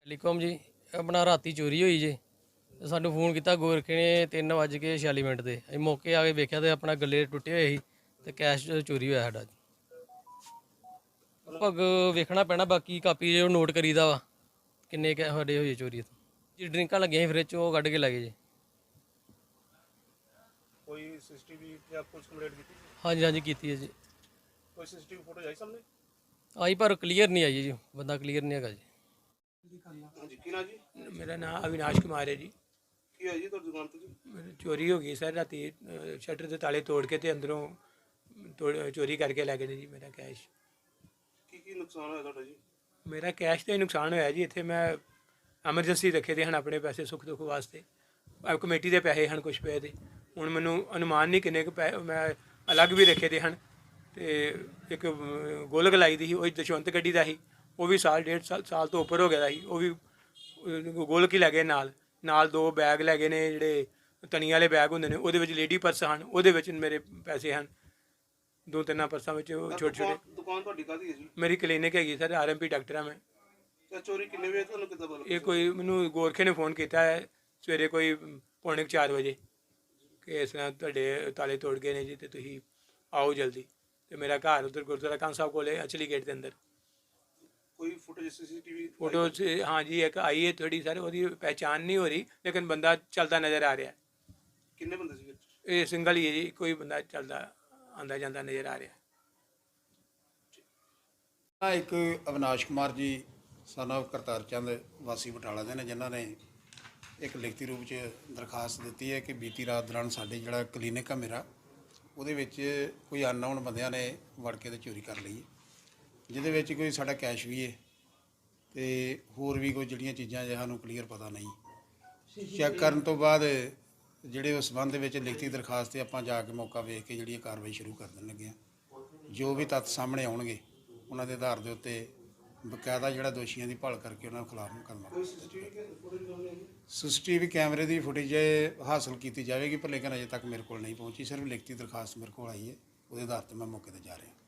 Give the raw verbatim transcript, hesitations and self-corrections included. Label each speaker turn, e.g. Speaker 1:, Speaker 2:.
Speaker 1: Telecom ਜੀ ਆਪਣਾ ਰਾਤੀ ਚੋਰੀ ਹੋਈ ਜੀ ਤੇ ਸਾਨੂੰ ਫੋਨ ਕੀਤਾ ਗੋਰਖੇ ਨੇ ਤਿੰਨ ਵੱਜ ਕੇ ਛਿਆਲੀ ਮਿੰਟ ਤੇ ਅਸੀਂ ਮੌਕੇ ਆ ਕੇ ਵੇਖਿਆ ਤੇ ਆਪਣਾ ਗੱਲੇ ਟੁੱਟੇ ਹੋਏ ਸੀ ਤੇ ਕੈਸ਼ ਚੋਰੀ ਹੋਇਆ ਸਾਡਾ। ਭਗ ਵੇਖਣਾ ਪੈਣਾ, ਬਾਕੀ ਕਾਪੀ ਜੋ ਨੋਟ ਕਰੀਦਾ ਵਾ ਕਿੰਨੇ ਕੈ ਸਾਡੇ ਹੋਏ ਚੋਰੀ ਜੀ। ਡਰਿੰਕਾਂ ਲੱਗੀਆਂ ਸੀ ਫਰਿੱਜ 'ਚ, ਉਹ ਕੱਢ ਕੇ ਲੈ ਗਏ ਜੀ।
Speaker 2: ਕੋਈ ਸੀਸੀਟੀਵੀ ਜਾਂ ਪੁਲਿਸ ਕੰਪਲੇਂਟ ਕੀਤੀ?
Speaker 1: ਹਾਂਜੀ ਹਾਂਜੀ ਕੀਤੀ ਹੈ ਜੀ।
Speaker 2: ਕੋਈ ਸੀਸੀਟੀਵੀ ਫੋਟੋ ਆਈ ਸਾਹਮਣੇ?
Speaker 1: ਆਈ ਪਰ ਕਲੀਅਰ ਨਹੀਂ ਆਈ ਜੀ, ਬੰਦਾ ਕਲੀਅਰ ਨਹੀਂ ਹੈਗਾ ਜੀ।
Speaker 2: ਹਾਂਜੀ, ਕੀ ਨਾਂ ਜੀ?
Speaker 3: मेरा नाम अविनाश कुमार है जी।
Speaker 2: ਕੀ ਹੋਇਆ ਜੀ ਤੁਹਾਡੀ ਦੁਕਾਨ ਤੇ ਜੀ?
Speaker 3: मेरी चोरी हो गई सर राती, शटर के ताले तोड़ के ते अंदरों तोड़ चोरी करके लै गए ने जी मेरा कैश।
Speaker 2: ਕੀ ਕੀ ਨੁਕਸਾਨ ਹੋਇਆ ਤੁਹਾਡਾ ਜੀ?
Speaker 3: मेरा कैश तो ही नुकसान होया जी। इत्थे मैं एमरजेंसी रखे दे हन अपने पैसे सुख दुख वास्ते, अब कमेटी के पैसे हैं कुछ पे दे हुण मैनूं अनुमान नहीं किन्ने पै मैं अलग भी रखे दे हन। ते एक गोलक लाई दी ही, वो दशवंत गड्डी दा ही, वो भी साल डेढ़ साल साल तो उपर हो गया ही, वो भी गोलक ही लै गए। नाल नाल दो बैग लै गए ने जिहड़े तनी वाले बैग हुंदे ने, ਉਹਦੇ ਵਿੱਚ लेडी पर्स ਹਨ, ਉਹਦੇ ਵਿੱਚ ਮੇਰੇ ਪੈਸੇ ਹਨ। ਦੋ ਤਿੰਨ ਪਰਸਾਂ ਵਿੱਚ ਛੋਟੇ ਛੋਟੇ।
Speaker 2: ਦੁਕਾਨ ਤੁਹਾਡੀ ਕਾਹਦੀ ਹੈ ਜੀ?
Speaker 3: ਮੇਰੀ ਕਲੀਨਿਕ ਹੈਗੀ sir, R M P doctor ਹਾਂ ਮੈਂ।
Speaker 2: ਤੇ ਚੋਰੀ ਕਿੰਨੇ ਵਜੇ ਤੁਹਾਨੂੰ ਕਿੱਦਾਂ ਪਤਾ?
Speaker 3: ਇਹ ਕੋਈ ਮੈਨੂੰ ਗੋਰਖੇ ਨੇ ਫੋਨ ਕੀਤਾ ਹੈ ਸਵੇਰੇ ਕੋਈ ਪੌਣੇ ਚਾਰ ਵਜੇ ਕਿ ਇਸ ਤਰ੍ਹਾਂ ਤੁਹਾਡੇ ਤਾਲੇ ਤੋੜ ਗਏ ਨੇ ਜੀ ਤੇ ਤੁਸੀਂ ਆਓ ਜਲਦੀ। ਤੇ ਮੇਰਾ ਘਰ ਉੱਧਰ ਗੁਰਦੁਆਰਾ ਕਾਂ ਸਾਹਿਬ ਕੋਲੇ ਅਚਲੀ ਗੇਟ ਦੇ ਅੰਦਰ।
Speaker 2: ਕੋਈ ਫੁਟੇਜ ਸੀਸੀਟੀਵੀ
Speaker 3: फोटो से हाँ जी एक आई है थोड़ी सर, वो पहचान नहीं हो रही लेकिन बंदा चलता नज़र आ रहा है।
Speaker 2: ਕਿੰਨੇ ਬੰਦੇ ਸੀ ਵਿੱਚ?
Speaker 3: ये सिंगल ही है जी, कोई बंदा चलता आंदा जाता नज़र आ रहा है।
Speaker 4: ਆ ਇੱਕ ਅਵਿਨਾਸ਼ ਕੁਮਾਰ ਜੀ ਸਨ of ਕਰਤਾਰ ਚੰਦ ਵਾਸੀ ਬਟਾਲਾ ਦੇ ਨੇ, ਜਿਨ੍ਹਾਂ ਨੇ ਇੱਕ ਲਿਖਤੀ ਰੂਪ 'ਚ ਦਰਖਾਸਤ ਦਿੱਤੀ ਹੈ ਕਿ ਬੀਤੀ ਰਾਤ ਦੌਰਾਨ ਸਾਡੇ ਜਿਹੜਾ ਕਲੀਨਿਕ ਆ ਮੇਰਾ, ਉਹਦੇ ਵਿੱਚ ਕੋਈ ਅਨਨੋਨ ਬੰਦਿਆਂ ਨੇ ਵੜ ਕੇ ਤੇ ਚੋਰੀ ਕਰ ਲਈ ਹੈ, ਜਿਹਦੇ ਵਿੱਚ ਕੋਈ ਸਾਡਾ ਕੈਸ਼ ਵੀ ਹੈ ਤੇ ਹੋਰ ਵੀ ਕੋਈ ਜਿਹੜੀਆਂ ਚੀਜ਼ਾਂ ਜੇ ਸਾਨੂੰ ਕਲੀਅਰ ਪਤਾ ਨਹੀਂ। ਚੈੱਕ ਕਰਨ ਤੋਂ ਬਾਅਦ ਜਿਹੜੇ ਉਸ ਸੰਬੰਧ ਦੇ ਵਿੱਚ ਲਿਖਤੀ ਦਰਖਾਸਤ 'ਤੇ ਆਪਾਂ ਜਾ ਕੇ ਮੌਕਾ ਵੇਖ ਕੇ ਜਿਹੜੀ ਕਾਰਵਾਈ ਸ਼ੁਰੂ ਕਰ ਦੇਣ ਲੱਗੇ ਹਾਂ। ਜੋ ਵੀ ਤੱਥ ਸਾਹਮਣੇ ਆਉਣਗੇ ਉਹਨਾਂ ਦੇ ਆਧਾਰ ਦੇ ਉੱਤੇ ਬਕਾਇਦਾ ਜਿਹੜਾ ਦੋਸ਼ੀਆਂ ਦੀ ਭਾਲ ਕਰਕੇ ਉਹਨਾਂ ਖਿਲਾਫ ਮੁਕੱਦਮਾ।
Speaker 2: ਕੋਈ ਸੀਸੀਟੀਵੀ ਫੁਟੇਜ
Speaker 4: ਸੀਸੀਟੀਵੀ ਕੈਮਰੇ ਦੀ ਫੁਟੇਜ ਹਾਸਲ ਕੀਤੀ ਜਾਵੇਗੀ, ਪਰ ਲੇਕਿਨ ਅਜੇ ਤੱਕ ਮੇਰੇ ਕੋਲ ਨਹੀਂ ਪਹੁੰਚੀ। ਸਿਰਫ ਲਿਖਤੀ ਦਰਖਾਸਤ ਮੇਰੇ ਕੋਲ ਆਈ ਹੈ, ਉਹਦੇ ਆਧਾਰ 'ਤੇ ਮੈਂ ਮੌਕੇ 'ਤੇ ਜਾ ਰਿਹਾ।